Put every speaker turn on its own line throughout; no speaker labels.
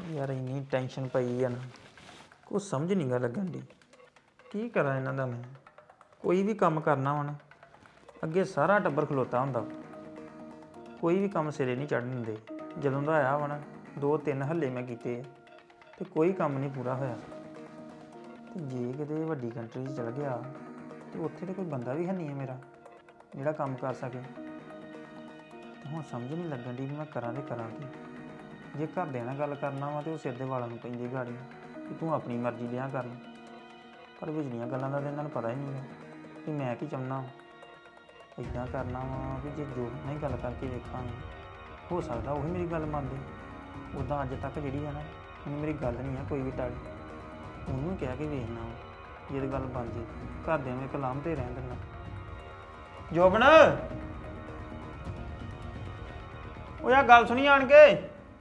ਯਾਰ ਇੰਨੀ ਟੈਨਸ਼ਨ ਪਈ ਆ ਨਾ ਕੁਛ ਸਮਝ ਨਹੀਂ ਗਾ ਲੱਗਣ ਦੀ ਕੀ ਕਰਾਂ ਇਹਨਾਂ ਦਾ ਮੈਂ ਕੋਈ ਵੀ ਕੰਮ ਕਰਨਾ ਹੁਣ ਅੱਗੇ ਸਾਰਾ ਟੱਬਰ ਖਲੋਤਾ ਹੁੰਦਾ ਕੋਈ ਵੀ ਕੰਮ ਸਿਰੇ ਨਹੀਂ ਚੜ੍ਹਨ ਦਿੰਦੇ ਜਦੋਂ ਦਾ ਆਇਆ ਵਾ ਨਾ 2-3 ਹੱਲੇ ਮੈਂ ਕੀਤੇ ਤੇ ਕੋਈ ਕੰਮ ਨਹੀਂ ਪੂਰਾ ਹੋਇਆ ਤੇ ਜੇ ਕਿਤੇ ਵੱਡੀ ਕੰਟਰੀ 'ਚ ਚਲ ਗਿਆ ਤੇ ਉੱਥੇ ਤੇ ਕੋਈ ਬੰਦਾ ਵੀ ਹੈ ਨਹੀਂ ਹੈ ਮੇਰਾ ਜਿਹੜਾ ਕੰਮ ਕਰ ਸਕੇ ਤੇ ਹੁਣ ਸਮਝ ਨਹੀਂ ਲੱਗਣ ਦੀ ਵੀ ਮੈਂ ਕਰਾਂ ਤੇ ਕਰਾਂ ਕੀ ਜੇ ਘਰਦਿਆਂ ਨਾਲ ਗੱਲ ਕਰਨਾ ਵਾ ਤੇ ਉਹ ਸਿਰ ਦੇ ਵਾਲਾਂ ਨੂੰ ਪੈਂਦੀ ਗਾੜੀ ਕਿ ਤੂੰ ਆਪਣੀ ਮਰਜ਼ੀ ਲਿਆ ਕਰ ਪਰ ਵਿਚਲੀਆਂ ਗੱਲਾਂ ਦਾ ਤਾਂ ਇਹਨਾਂ ਨੂੰ ਪਤਾ ਹੀ ਨਹੀਂ ਹੈ ਕਿ ਮੈਂ ਕੀ ਚਾਹੁੰਦਾ ਇੱਦਾਂ ਕਰਨਾ ਵਾ ਵੀ ਜੇ ਜੋ ਨਹੀਂ ਗੱਲ ਕਰਕੇ ਵੇਖਾਂਗੇ ਹੋ ਸਕਦਾ ਉਹੀ ਮੇਰੀ ਗੱਲ ਮੰਨਦੇ ਉੱਦਾਂ ਅੱਜ ਤੱਕ ਜਿਹੜੀ ਹੈ ਨਾ ਉਹਨੂੰ ਮੇਰੀ ਗੱਲ ਨਹੀਂ ਆ ਕੋਈ ਵੀ ਟਾਲੀ ਉਹਨੂੰ ਕਹਿ ਕੇ ਵੇਖਣਾ ਜੇ ਗੱਲ ਬਣ ਜੇ ਘਰਦਿਆਂ ਨੂੰ ਇੱਕ ਲਾਮ ਤੇ ਰਹਿਣ ਦੇਣਾ ਜੋਬਨ ਉਹ ਯਾਰ ਗੱਲ ਸੁਣੀ ਆਣ ਕੇ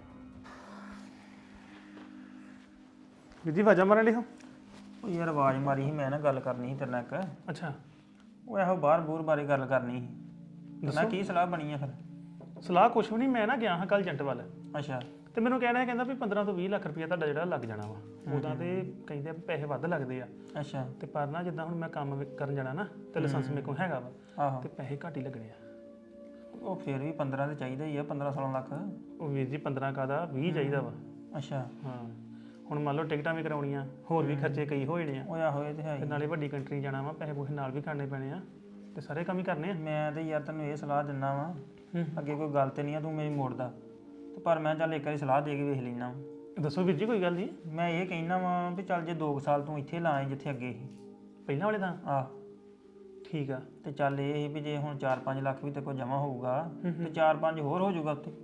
ਜੀ ਵਾਜਾ ਮਾਰਨ ਲਈ ਹੋ
ਉਹ ਯਾਰ ਆਵਾਜ਼ ਮਾਰੀ ਸੀ ਮੈਂ ਨਾ ਗੱਲ ਕਰਨੀ ਸੀ ਤੇਰੇ ਨਾਲ ਇੱਕ
ਅੱਛਾ
ਉਹ ਇਹੋ ਬਾਹਰ ਬੂਰ ਬਾਰੇ ਗੱਲ ਕਰਨੀ ਸੀ ਨਾ ਕੀ ਸਲਾਹ ਬਣੀ ਆ ਫਿਰ
ਸਲਾਹ ਕੁਛ ਵੀ ਨਹੀਂ ਮੈਂ ਨਾ ਗਿਆ ਹਾਂ ਕੱਲ ਏਜੰਟ ਵੱਲ
ਅੱਛਾ
ਤੇ ਮੈਨੂੰ ਕਹਿਣਾ ਕਹਿੰਦਾ ਵੀ 15 ਤੋਂ 20 ਲੱਖ ਰੁਪਇਆ ਤੁਹਾਡਾ ਜਿਹੜਾ ਲੱਗ ਜਾਣਾ ਵਾ ਉਦਾਂ ਤੇ ਕਹਿੰਦੇ ਪੈਸੇ ਵੱਧ ਲੱਗਦੇ ਆ
ਅੱਛਾ
ਤੇ ਪਰ ਨਾ ਜਿੱਦਾਂ ਹੁਣ ਮੈਂ ਕੰਮ ਕਰਨ ਜਾਣਾ ਨਾ ਤੇ ਲਾਇਸੈਂਸ ਮੇਰੇ ਕੋਲ ਹੈਗਾ ਵਾ
ਆਹੋ
ਤੇ ਪੈਸੇ ਘੱਟ ਹੀ ਲੱਗਣੇ ਆ
ਉਹ ਫਿਰ ਵੀ 15 ਤੇ ਚਾਹੀਦਾ ਹੀ ਆ 15-16 ਲੱਖ
ਉਹ ਵੀਰ ਜੀ 15 ਦਾ 20 ਚਾਹੀਦਾ ਵਾ
ਅੱਛਾ
ਹਾਂ ਹੁਣ ਮੰਨ ਲਓ ਟਿਕਟਾਂ ਵੀ ਕਰਾਉਣੀਆਂ ਹੋਰ ਵੀ ਖਰਚੇ ਕਈ ਹੋ ਜਾਣੇ ਆ
ਹੋਇਆ ਹੋਏ ਤੇ ਹੈ
ਤੇ ਨਾਲੇ ਵੱਡੀ ਕੰਟਰੀ ਜਾਣਾ ਵਾ ਪੈਸੇ ਪੂਸੇ ਨਾਲ ਵੀ ਕਰਨੇ ਪੈਣੇ ਆ ਤੇ ਸਾਰੇ ਕੰਮ ਹੀ ਕਰਨੇ ਆ
ਮੈਂ ਤੇ ਯਾਰ ਤੈਨੂੰ ਇਹ ਸਲਾਹ ਦਿੰਦਾ ਵਾਂ ਅੱਗੇ ਕੋਈ ਗੱਲ ਤੇ ਨਹੀਂ ਆ ਤੂੰ ਮੇਰੀ ਮੋੜਦਾ ਤੇ ਪਰ ਮੈਂ ਚੱਲ ਇੱਕ ਵਾਰੀ ਸਲਾਹ ਦੇ ਕੇ ਵੇਖ ਲੈਣਾ
ਦੱਸੋ ਵੀਰ ਜੀ ਕੋਈ ਗੱਲ ਨਹੀਂ
ਮੈਂ ਇਹ ਕਹਿਣਾ ਵਾਂ ਵੀ ਚੱਲ ਜੇ 2 ਸਾਲ ਤੂੰ ਇੱਥੇ ਲਾਏ ਜਿੱਥੇ ਅੱਗੇ ਸੀ
ਪਹਿਲਾਂ ਵਾਲੇ ਤਾਂ
ਆਹ
ਠੀਕ ਆ
ਤੇ ਚੱਲ ਇਹ ਸੀ ਵੀ ਜੇ ਹੁਣ 4-5 ਲੱਖ ਵੀ ਤੇ ਕੋਈ ਜਮਾ ਹੋਊਗਾ ਤੇ 4-5 ਹੋਰ ਹੋ ਜਾਊਗਾ ਉੱਤੇ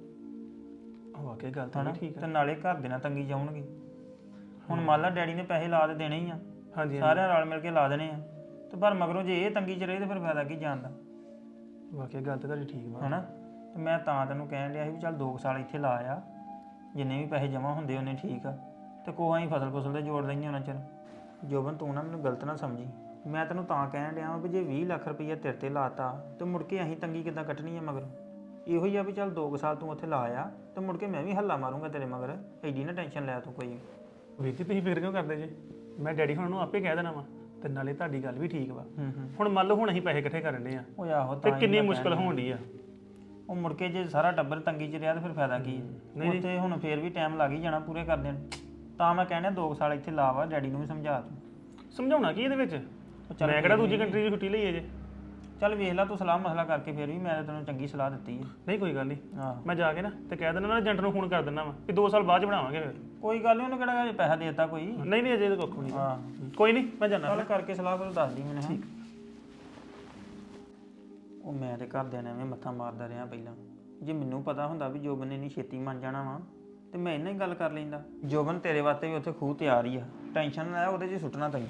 ਵਾਕਈ ਗੱਲ ਤਾਂ ਠੀਕ
ਤੇ ਨਾਲੇ ਘਰ ਦੇ ਨਾਲ ਤੰਗੀ ਜਾਉਣਗੇ ਹੁਣ ਮੰਨ ਲਾ ਡੈਡੀ ਨੇ ਪੈਸੇ ਲਾ ਤੇ ਦੇਣੇ ਹੀ ਆ
ਹਾਂਜੀ
ਸਾਰਿਆਂ ਰਲ ਮਿਲ ਕੇ ਲਾ ਦੇਣੇ ਆ ਤੇ ਪਰ ਮਗਰੋਂ ਜੇ ਇਹ ਤੰਗੀ 'ਚ ਰਹੇ ਤੇ ਫਿਰ ਫਾਇਦਾ ਕੀ ਜਾਣ ਦਾ
ਵਾਕਈ ਗੱਲ ਤੇ ਤੁਹਾਡੀ ਠੀਕ ਵਾ
ਹਨਾ ਤੇ ਮੈਂ ਤਾਂ ਤੈਨੂੰ ਕਹਿਣ ਡਿਆ ਸੀ ਵੀ ਚੱਲ 2 ਸਾਲ ਇੱਥੇ ਲਾ ਆ ਜਿੰਨੇ ਵੀ ਪੈਸੇ ਜਮਾ ਹੁੰਦੇ ਉਹਨੇ ਠੀਕ ਆ ਤੇ ਕੋਹਾਂ ਹੀ ਫਸਲ ਦੇ ਜੋੜ ਲੈਂਦੇ ਉਹਨਾਂ ਚਿਰ ਜੋਬਨ ਤੂੰ ਨਾ ਮੈਨੂੰ ਗਲਤ ਨਾ ਸਮਝੀ ਮੈਂ ਤੈਨੂੰ ਤਾਂ ਕਹਿਣ ਡਿਆ ਵੀ ਜੇ 20 ਲੱਖ ਰੁਪਈਆ ਤੇਰੇ ਤੇ ਲਾਤਾ ਤੇ ਮੁੜ ਕੇ ਅਸੀਂ ਤੰਗੀ ਕਿੱਦਾਂ ਕੱਟਣੀ ਆ ਮਗਰ ਇਹੋ ਹੀ ਆ ਵੀ ਚੱਲ 2 ਸਾਲ ਤੂੰ ਉੱਥੇ ਲਾ ਆ ਤੇ ਮੁੜ ਕੇ ਮੈਂ ਵੀ ਹੱਲਾ ਮਾਰੂੰਗਾ ਤੇਰੇ ਮਗਰ ਐਡੀ ਨਾ ਟੈਨਸ਼ਨ ਲੈ ਤੂੰ ਕੋਈ
ਵੀਰ ਜੀ ਤੁਸੀਂ ਫਿਕਰ ਕਿਉਂ ਕਰਦੇ ਜੇ ਮੈਂ ਡੈਡੀ ਹੁਣ ਨੂੰ ਆਪੇ ਕਹਿ ਦੇਣਾ ਵਾ ਤੇ ਨਾਲੇ ਤੁਹਾਡੀ ਗੱਲ ਵੀ ਠੀਕ ਵਾ ਹੁਣ ਮੰਨ ਲਓ ਹੁਣ ਅਸੀਂ ਪੈਸੇ ਇਕੱਠੇ ਕਰਨ ਦੇ ਆ
ਉਹ ਆਹੋ
ਤੇ ਕਿੰਨੀ ਮੁਸ਼ਕਲ ਹੋਣ ਡਈ ਆ
ਉਹ ਮੁੜ ਕੇ ਜੇ ਸਾਰਾ ਟੱਬਰ ਤੰਗੀ 'ਚ ਰਿਹਾ ਤਾਂ ਫਿਰ ਫਾਇਦਾ ਕੀ ਹੈ ਉੱਥੇ ਹੁਣ ਫੇਰ ਵੀ ਟਾਈਮ ਲੱਗ ਹੀ ਜਾਣਾ ਪੂਰੇ ਕਰਦੇ ਨੂੰ ਤਾਂ ਮੈਂ ਕਹਿੰਦਾ 2 ਸਾਲ ਇੱਥੇ ਲਾ ਵਾ ਡੈਡੀ ਨੂੰ ਵੀ ਸਮਝਾ ਤੂੰ
ਸਮਝਾਉਣਾ ਕੀ ਇਹਦੇ ਵਿੱਚ ਮੈਂ ਕਿਹੜਾ ਦੂਜੀ ਕੰਟਰੀ ਦੀ ਛੁੱਟੀ ਲਈ ਹੈ ਜੇ
ਚੱਲ ਵੇਖ ਲੈ ਤੂੰ ਸਲਾਹ ਮਸਲਾ ਕਰਕੇ ਫੇਰ ਵੀ ਮੈਂ ਤੈਨੂੰ ਚੰਗੀ ਸਲਾਹ ਦਿੱਤੀ ਹੈ
ਨਹੀਂ ਕੋਈ ਗੱਲ ਨਹੀਂ
ਹਾਂ
ਮੈਂ ਜਾ ਕੇ ਨਾ ਤੇ ਕਹਿ ਦਿੰਦਾ ਨਾ ਏਜੰਟ ਨੂੰ ਫੋਨ ਕਰ ਦਿੰਦਾ ਵਾ ਕਿ 2 ਸਾਲ ਬਾਅਦ ਚ ਬਣਾਵਾਂਗੇ ਫਿਰ
ਕੋਈ ਗੱਲ ਨਹੀਂ ਉਹਨੂੰ ਕਿਹੜਾ ਹਜੇ ਪੈਸਾ ਦੇ ਦਿੱਤਾ ਕੋਈ
ਨਹੀਂ ਨਹੀਂ ਅਜੇ ਤਾਂ ਕੁੱਖ ਨਹੀਂ
ਹਾਂ
ਕੋਈ ਨਹੀਂ ਮੈਂ ਜਾਣਾ
ਚੱਲ ਕਰਕੇ ਸਲਾਹ ਫਿਰ ਦੱਸ ਦੀ ਮੈਨੂੰ ਠੀਕ ਉਹ ਮੈਂ ਤੇ ਘਰਦਿਆਂ ਨੇ ਐਵੇਂ ਮੱਥਾ ਮਾਰਦਾ ਰਿਹਾ ਪਹਿਲਾਂ ਜੇ ਮੈਨੂੰ ਪਤਾ ਹੁੰਦਾ ਵੀ ਜੋਬਨ ਨੇ ਨਹੀਂ ਛੇਤੀ ਮੰਨ ਜਾਣਾ ਵਾ ਤੇ ਮੈਂ ਇਹਨਾਂ ਹੀ ਗੱਲ ਕਰ ਲੈਂਦਾ ਜੋਬਨ ਤੇਰੇ ਵਾਸਤੇ ਵੀ ਉੱਥੇ ਖੂਹ ਤਿਆਰ ਹੀ ਆ ਟੈਨਸ਼ਨ ਨਾ ਲੈ ਉਹਦੇ 'ਚ ਸੁੱਟਣਾ ਤੈਨੂੰ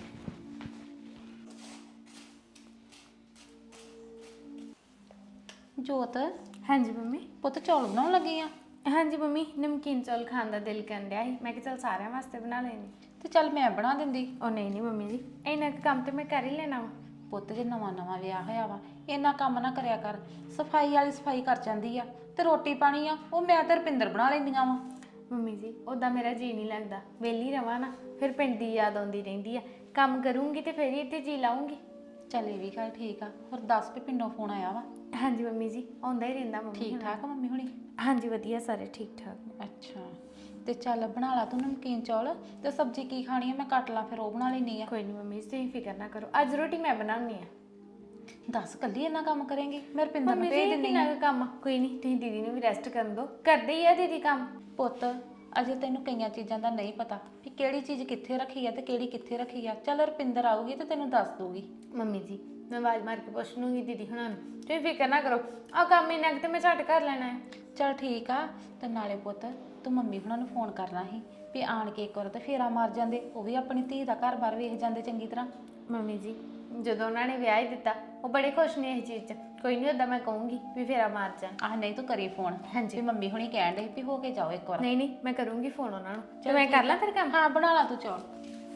ਜੋਤ
ਹਾਂਜੀ ਮੰਮੀ
ਪੁੱਤ ਚੌਲ ਬਣਾਉਣ ਲੱਗੀ ਆ
ਹਾਂਜੀ ਮੰਮੀ ਨਮਕੀਨ ਚੌਲ ਖਾਣ ਦਾ ਦਿਲ ਕਰਨ ਡਿਆ ਸੀ ਮੈਂ ਕਿਹਾ ਚੱਲ ਸਾਰਿਆਂ ਵਾਸਤੇ ਬਣਾ ਲੈਣੀ
ਤੇ ਚੱਲ ਮੈਂ ਬਣਾ ਦਿੰਦੀ
ਉਹ ਨਹੀਂ ਮੰਮੀ ਜੀ ਇੰਨਾ ਕੁ ਕੰਮ ਤੇ ਮੈਂ ਕਰ ਹੀ ਲੈਣਾ ਵਾ
ਪੁੱਤ ਜੇ ਨਵਾਂ ਵਿਆਹ ਹੋਇਆ ਵਾ ਇੰਨਾ ਕੰਮ ਨਾ ਕਰਿਆ ਕਰ ਸਫਾਈ ਵਾਲੀ ਸਫਾਈ ਕਰ ਜਾਂਦੀ ਆ ਤੇ ਰੋਟੀ ਪਾਣੀ ਆ ਉਹ ਮੈਂ ਤੇ ਰੁਪਿੰਦਰ ਬਣਾ ਲੈਂਦੀਆਂ ਵਾ
ਮੰਮੀ ਜੀ ਉਦਾਂ ਮੇਰਾ ਜੀ ਨਹੀਂ ਲੱਗਦਾ ਵਿਹਲੀ ਰਵਾਂ ਨਾ ਫਿਰ ਪਿੰਡ ਦੀ ਯਾਦ ਆਉਂਦੀ ਰਹਿੰਦੀ ਆ ਕੰਮ ਕਰੂੰਗੀ ਤੇ ਫਿਰ ਹੀ ਇੱਥੇ ਜੀ ਲਾਉਂਗੀ
ਚੱਲ ਇਹ ਵੀ ਗੱਲ ਠੀਕ ਆ ਹੋਰ ਦੱਸ ਵੀ ਪਿੰਡੋਂ ਫੋਨ ਆਇਆ ਵਾ
ਹਾਂਜੀ ਮੰਮੀ ਜੀ ਆਉਂਦਾ ਹੀ ਰਹਿੰਦਾ ਮੰਮੀ
ਠੀਕ ਠਾਕ ਆ ਮੰਮੀ ਹੁਣੀ
ਹਾਂਜੀ ਵਧੀਆ ਸਾਰੇ ਠੀਕ ਠਾਕ
ਅੱਛਾ ਤੇ ਚੱਲ ਬਣਾ ਲਾ ਤੂੰ ਨਮਕੀਨ ਚੌਲ ਤੇ ਸਬਜ਼ੀ ਕੀ ਖਾਣੀ ਆ ਮੈਂ ਕੱਟ ਲਾਂ ਫਿਰ ਉਹ ਬਣਾ ਲੈਣੀ ਆ
ਕੋਈ ਨਹੀਂ ਮੰਮੀ ਤੁਸੀਂ ਫਿਕਰ ਨਾ ਕਰੋ ਅੱਜ ਰੋਟੀ ਮੈਂ ਬਣਾਉਣੀ ਆ
ਦੱਸ ਕੱਲੀ ਇੰਨਾ ਕੰਮ ਕਰੇਂਗੀ ਮੈਂ ਰੁਪਿੰਦਰ ਨੂੰ ਭੇਜ ਦਿੰਦੀ
ਕਿੰਨਾ ਕੰਮ ਕੋਈ ਨਹੀਂ ਤੁਸੀਂ ਦੀਦੀ ਨੂੰ ਵੀ ਰੈਸਟ ਕਰਨ ਦਿਓ ਕਰਦੇ ਹੀ ਆ ਦੀਦੀ ਕੰਮ
ਪੁੱਤ ਅਜੇ ਤੈਨੂੰ ਕਈਆਂ ਚੀਜ਼ਾਂ ਦਾ ਨਹੀਂ ਪਤਾ ਵੀ ਕਿਹੜੀ ਚੀਜ਼ ਕਿੱਥੇ ਰੱਖੀ ਆ ਤੇ ਕਿਹੜੀ ਕਿੱਥੇ ਰੱਖੀ ਆ ਚੱਲ ਰੁਪਿੰਦਰ ਆਊਗੀ ਤੇ ਤੈਨੂੰ ਦੱਸ ਦੂਗੀ
ਮੰਮੀ ਜੀ ਮੈਂ ਆਵਾਜ਼ ਮਾਰ ਕੇ ਪੁੱਛ ਲੂੰਗੀ ਦੀਦੀ ਹੁਣਾਂ ਨੂੰ ਤੁਸੀਂ ਫਿਕਰ ਨਾ ਕਰੋ ਆ ਕੰਮ ਇੰਨਾ ਕੁ ਤੇ ਮੈਂ ਝੱਟ ਕਰ ਲੈਣਾ ਹੈ
ਚੱਲ ਠੀਕ ਆ ਤੇ ਨਾਲੇ ਪੁੱਤ ਤੂੰ ਮੰਮੀ ਹੁਣਾਂ ਨੂੰ ਫੋਨ ਕਰਨਾ ਸੀ ਵੀ ਆਣ ਕੇ ਇੱਕ ਵਾਰ ਤੇ ਫੇਰਾ ਮਾਰ ਜਾਂਦੇ ਉਹ ਵੀ ਆਪਣੀ ਧੀ ਦਾ ਘਰ-ਬਾਰ ਵੇਖ ਜਾਂਦੇ ਚੰਗੀ ਤਰ੍ਹਾਂ
ਮੰਮੀ ਜੀ ਜਦੋਂ ਉਹਨਾਂ ਨੇ ਵਿਆਹ ਹੀ ਦਿੱਤਾ ਉਹ ਬੜੇ ਖੁਸ਼ ਨੇ ਇਸ ਚੀਜ਼ 'ਚ ਕੋਈ ਨਹੀਂ ਉਦਾਂ ਮੈਂ ਕਹੂੰਗੀ ਵੀ ਫੇਰਾ ਮਾਰ ਜਾ
ਆਹ ਨਹੀਂ ਤੂੰ ਕਰੀ ਫੋਨ
ਹਾਂਜੀ
ਵੀ ਮੰਮੀ ਹੁਣੀ ਕਹਿਣ ਦੇ ਵੀ ਹੋ ਕੇ ਜਾਓ ਇੱਕ ਵਾਰ
ਨਹੀਂ ਨਹੀਂ ਮੈਂ ਕਰੂੰਗੀ ਫੋਨ ਉਹਨਾਂ ਨੂੰ ਤੇ ਮੈਂ ਕਰ ਲਾਂ ਫਿਰ ਕੰਮ
ਹਾਂ ਬਣਾ ਲਾ ਤੂੰ ਚੌਲ